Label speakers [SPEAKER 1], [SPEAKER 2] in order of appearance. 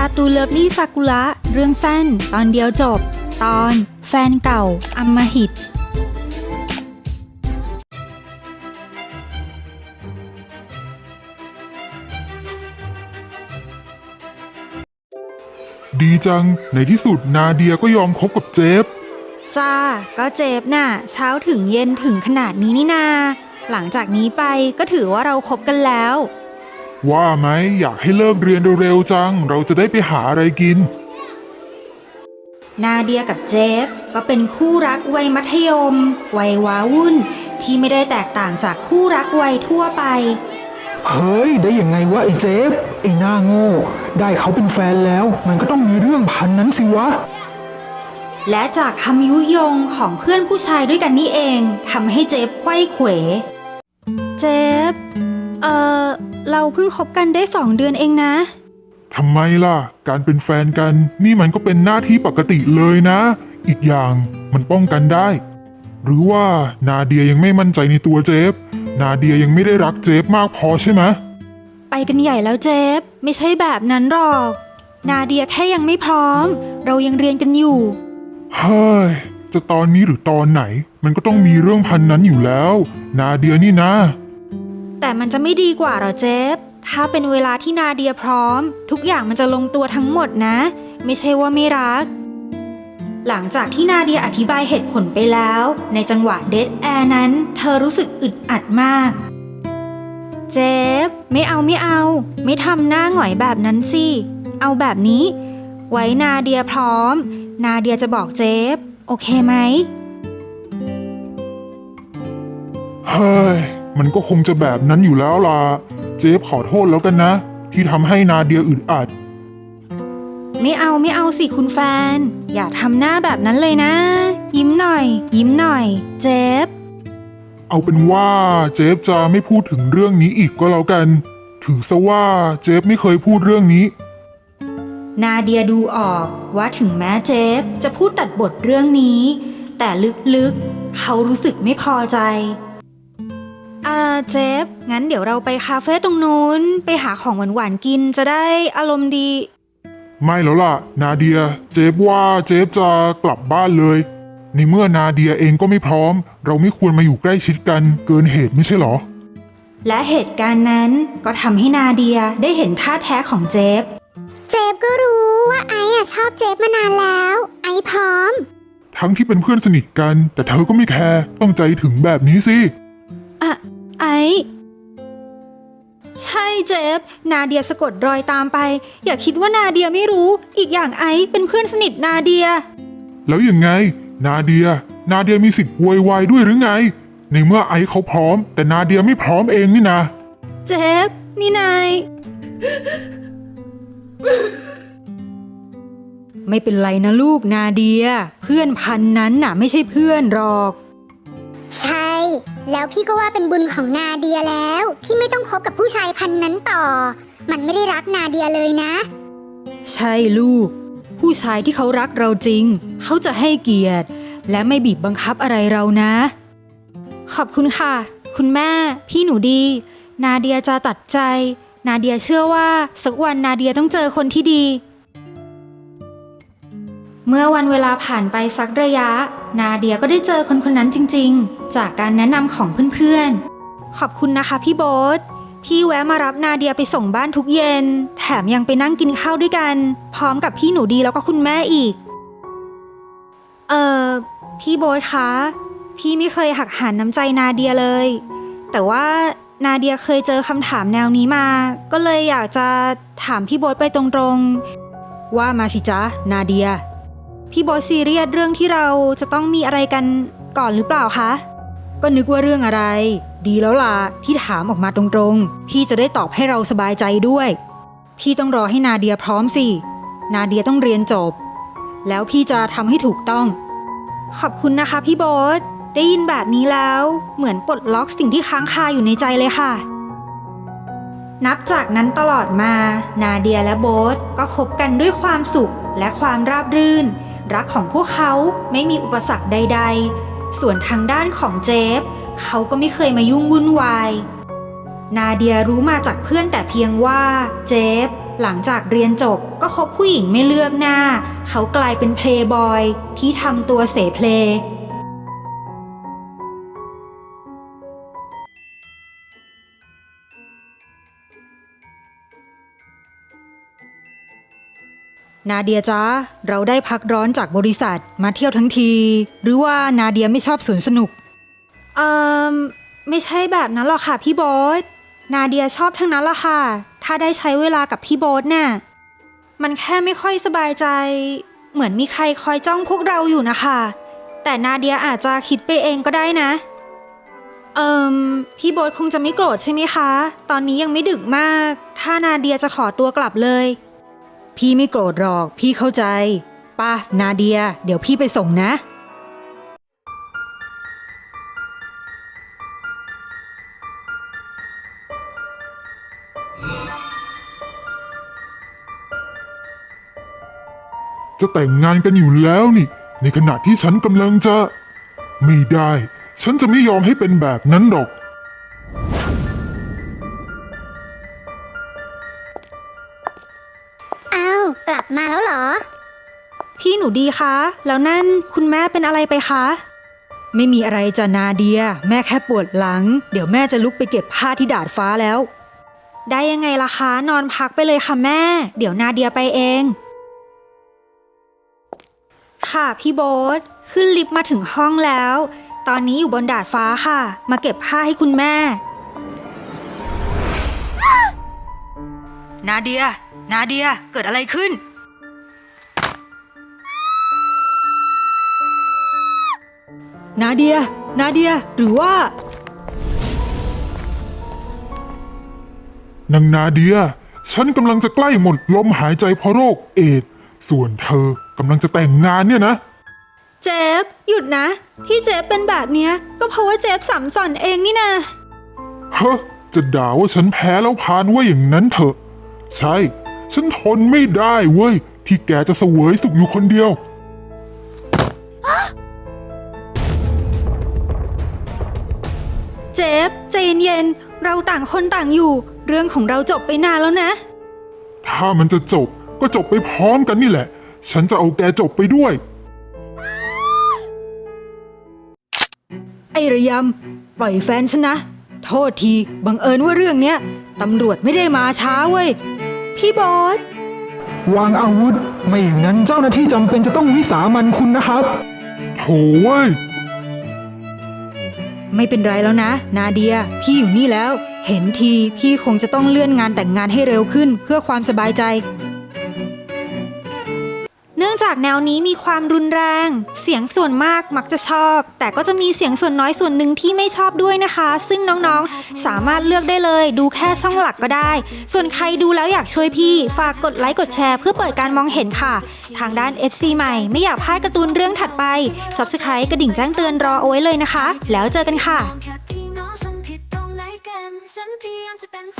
[SPEAKER 1] ตูเลิฟลี่ซากุระเรื่องสั้นตอนเดียวจบตอนแฟนเก่าอำมหิต
[SPEAKER 2] ดีจังในที่สุดนาเดียก็ยอมคบกับเจฟ
[SPEAKER 1] จ้าก็เจ็บน่ะเช้าถึงเย็นถึงขนาดนี้นี่นาหลังจากนี้ไปก็ถือว่าเราคบกันแล้ว
[SPEAKER 2] ว่าไหมอยากให้เลิกเรียนเร็วๆจังเราจะได้ไปหาอะไรกิน
[SPEAKER 1] นาเดียกับเจฟก็เป็นคู่รักวัยมัธยมวัยว้าวุ่นที่ไม่ได้แตกต่างจากคู่รักวัยทั่วไป
[SPEAKER 3] เฮ้ยได้ยังไงวะไอ้เจฟไอ้หน้าโง่ได้เขาเป็นแฟนแล้วมันก็ต้องมีเรื่องพันนั้นสิวะ
[SPEAKER 1] และจากคำยุยงของเพื่อนผู้ชายด้วยกันนี่เองทำให้เจฟไขว้เขวเจฟเราเพิ่งคบกันได้2 เดือนเองนะ
[SPEAKER 2] ทำไมล่ะการเป็นแฟนกันนี่มันก็เป็นหน้าที่ปกติเลยนะอีกอย่างมันป้องกันได้หรือว่านาเดียยังไม่มั่นใจในตัวเจฟนาเดียยังไม่ได้รักเจฟมากพอใช่ไหม
[SPEAKER 1] ไปกันใหญ่แล้วเจฟไม่ใช่แบบนั้นหรอกนาเดียแค่ยังไม่พร้อมเรายังเรียนกันอยู่
[SPEAKER 2] เฮ้ยจะตอนนี้หรือตอนไหนมันก็ต้องมีเรื่องพันนั้นอยู่แล้วนาเดียนี่นะ
[SPEAKER 1] แต่มันจะไม่ดีกว่าหรอเจฟถ้าเป็นเวลาที่นาเดียพร้อมทุกอย่างมันจะลงตัวทั้งหมดนะไม่ใช่ว่าไม่รักหลังจากที่นาเดียอธิบายเหตุผลไปแล้วในจังหวะเดดแอร์นั้นเธอรู้สึกอึดอัดมากเจฟไม่เอาไม่ทำหน้าหงอยแบบนั้นสิเอาแบบนี้ไว้นาเดียพร้อมนาเดียจะบอกเจฟโอเคไหม
[SPEAKER 2] เฮ้ยมันก็คงจะแบบนั้นอยู่แล้วล่ะเจฟขอโทษแล้วกันนะที่ทำให้นาเดียอึดอัด
[SPEAKER 1] ไม่เอาสิคุณแฟนอย่าทำหน้าแบบนั้นเลยนะยิ้มหน่อยเจฟ
[SPEAKER 2] เอาเป็นว่าเจฟจะไม่พูดถึงเรื่องนี้อีกก็แล้วกันถือซะว่าเจฟไม่เคยพูดเรื่องนี้
[SPEAKER 1] นาเดียดูออกว่าถึงแม้เจฟจะพูดตัดบทเรื่องนี้แต่ลึกๆเขารู้สึกไม่พอใจเจฟงั้นเดี๋ยวเราไปคาเฟ่ตรงนู้นไปหาของหวานๆกินจะได้อารมณ์ดี
[SPEAKER 2] ไม่แล้วล่ะนาเดียเจฟว่าเจฟจะกลับบ้านเลยในเมื่อนาเดียเองก็ไม่พร้อมเราไม่ควรมาอยู่ใกล้ชิดกันเกินเหตุไม่ใช่หรอ
[SPEAKER 1] และเหตุการณ์นั้นก็ทำให้นาเดียได้เห็นท่าแท้ของเจฟ
[SPEAKER 4] ก็รู้ว่าไอ้ชอบเจฟมานานแล้วไอ้พร้อม
[SPEAKER 2] ทั้งที่เป็นเพื่อนสนิทกันแต่เธอก็ไม่แคร์ต้องใจถึงแบบนี้สิ
[SPEAKER 1] ไอ้ใช่เจฟนาเดียสะกดรอยตามไปอย่าคิดว่านาเดียไม่รู้อีกอย่างไอ้เป็นเพื่อนสนิทนาเดีย
[SPEAKER 2] แล้วยังไงนาเดียมีสิทธิ์โวยวายด้วยหรือไงในเมื่อไอ้เขาพร้อมแต่นาเดียไม่พร้อมเองนี่นะ
[SPEAKER 1] เจฟนี่นายไม่เป็นไรนะลูกนาเดียเพื่อนพันนั้นน่ะไม่ใช่เพื่อนหรอก
[SPEAKER 4] ใช่แล้วพี่ก็ว่าเป็นบุญของนาเดียแล้วที่ไม่ต้องคบกับผู้ชายพันนั้นต่อมันไม่ได้รักนาเดียเลยนะ
[SPEAKER 1] ใช่ลูกผู้ชายที่เขารักเราจริงเขาจะให้เกียรติและไม่บีบบังคับอะไรเรานะขอบคุณค่ะคุณแม่พี่หนูดีนาเดียจะตัดใจนาเดียเชื่อว่าสักวันนาเดียต้องเจอคนที่ดีเมื่อวันเวลาผ่านไปสักระยะนาเดียก็ได้เจอคนนั้นจริงๆจากการแนะนำของเพื่อนๆขอบคุณนะคะพี่โบ๊ทพี่แวะมารับนาเดียไปส่งบ้านทุกเย็นแถมยังไปนั่งกินข้าวด้วยกันพร้อมกับพี่หนูดีแล้วก็คุณแม่อีกพี่โบ๊ทคะพี่ไม่เคยหักหานน้ำใจนาเดียเลยแต่ว่านาเดียเคยเจอคำถามแนวนี้มาก็เลยอยากจะถามพี่โบ๊ทไปตรงๆว่ามาสิจ๊ะนาเดียพี่โบ๊ทซีเรียสเรื่องที่เราจะต้องมีอะไรกันก่อนหรือเปล่าคะก็นึกว่าเรื่องอะไรดีแล้วล่ะที่ถามออกมาตรงๆพี่จะได้ตอบให้เราสบายใจด้วยพี่ต้องรอให้นาเดียพร้อมสินาเดียต้องเรียนจบแล้วพี่จะทำให้ถูกต้องขอบคุณนะคะพี่โบ๊ทได้ยินแบบนี้แล้วเหมือนปลดล็อกสิ่งที่ค้างคาอยู่ในใจเลยค่ะนับจากนั้นตลอดมานาเดียและโบ๊ทก็คบกันด้วยความสุขและความราบรื่นรักของพวกเขาไม่มีอุปสรรคใดๆส่วนทางด้านของเจฟเขาก็ไม่เคยมายุ่งวุ่นวายนาเดียรู้มาจากเพื่อนแต่เพียงว่าเจฟหลังจากเรียนจบก็คบผู้หญิงไม่เลือกหน้า เขากลายเป็นเพลย์บอยที่ทำตัวเสเพล นาเดียจ๊ะเราได้พักร้อนจากบริษัทมาเที่ยวทั้งที หรือว่านาเดียไม่ชอบสวนสนุกไม่ใช่แบบนั้นหรอกค่ะพี่โบ๊ทนาเดียชอบทั้งนั้นละค่ะถ้าได้ใช้เวลากับพี่โบ๊ทน่ะมันแค่ไม่ค่อยสบายใจเหมือนมีใครคอยจ้องพวกเราอยู่นะคะแต่นาเดียอาจจะคิดไปเองก็ได้นะพี่โบ๊ทคงจะไม่โกรธใช่ไหมคะตอนนี้ยังไม่ดึกมากถ้านาเดียจะขอตัวกลับเลยพี่ไม่โกรธหรอกพี่เข้าใจป่ะนาเดียเดี๋ยวพี่ไปส่งนะ
[SPEAKER 2] จะแต่งงานกันอยู่แล้วนี่ ในขณะที่ฉันกำลังจะไม่ได้ ฉันจะไม่ยอมให้เป็นแบบนั้นหรอก
[SPEAKER 4] อ้าวกลับมาแล้วเหรอ
[SPEAKER 1] พี่หนูดีคะแล้วนั่นคุณแม่เป็นอะไรไปคะไม่มีอะไรจ้ะนาเดียแม่แค่ปวดหลังเดี๋ยวแม่จะลุกไปเก็บผ้าที่ดาดฟ้าแล้วได้ยังไงล่ะคะนอนพักไปเลยค่ะแม่เดี๋ยวนาเดียไปเองค่ะพี่โบ๊ทขึ้นลิฟต์มาถึงห้องแล้วตอนนี้อยู่บนดาดฟ้าค่ะมาเก็บผ้าให้คุณแม่นาเดียเกิดอะไรขึ้นนาเดียหรือว่าน
[SPEAKER 2] างนาเดียฉันกำลังจะใกล้หมดลมหายใจเพราะโรคเอดส์ส่วนเธอกำลังจะแต่งงานเนี่ยนะ
[SPEAKER 1] เจฟหยุดนะที่เจฟเป็นแบบเนี้ยก็เพราะว่าเจฟสัมสอนเองนี่นะ
[SPEAKER 2] เฮ้อจะด่าว่าฉันแพ้แล้วพานว่าอย่างนั้นเถอะใช่ฉันทนไม่ได้เว้ยที่แกจะเสวยสุขอยู่คนเดียว
[SPEAKER 1] เจฟใจเย็นๆเราต่างคนต่างอยู่เรื่องของเราจบไปนานแล้วนะ
[SPEAKER 2] ถ้ามันจะจบก็จบไปพร้อมกันนี่แหละฉันจะเอาแกจบไปด้วย
[SPEAKER 1] ไอ้ระยำปล่อยแฟนฉันนะโทษทีบังเอิญว่าเรื่องเนี้ยตำรวจไม่ได้มาช้าเว้ยพี่บอส
[SPEAKER 3] วางอาวุธไม่อย่างนั้นเจ้าหน้าที่จำเป็นจะต้องวิสามันคุณนะครับ
[SPEAKER 2] โถ่เว้ย
[SPEAKER 1] ไม่เป็นไรแล้วนะนาเดียพี่อยู่นี่แล้วเห็นทีพี่คงจะต้องเลื่อนงานแต่งงานให้เร็วขึ้นเพื่อความสบายใจเนื่องจากแนวนี้มีความรุนแรงเสียงส่วนมากมักจะชอบแต่ก็จะมีเสียงส่วนน้อยส่วนหนึ่งที่ไม่ชอบด้วยนะคะซึ่งน้องๆสามารถเลือกได้เลยดูแค่ช่องหลักก็ได้ส่วนใครดูแล้วอยากช่วยพี่ฝากกดไลค์กดแชร์เพื่อเปิดการมองเห็นค่ะทางด้าน FC ใหม่ไม่อยากพลาดการ์ตูนเรื่องถัดไป Subscribe กระดิ่งแจ้งเตือนรอเอาไว้เลยนะคะแล้วเจอกันค่ะ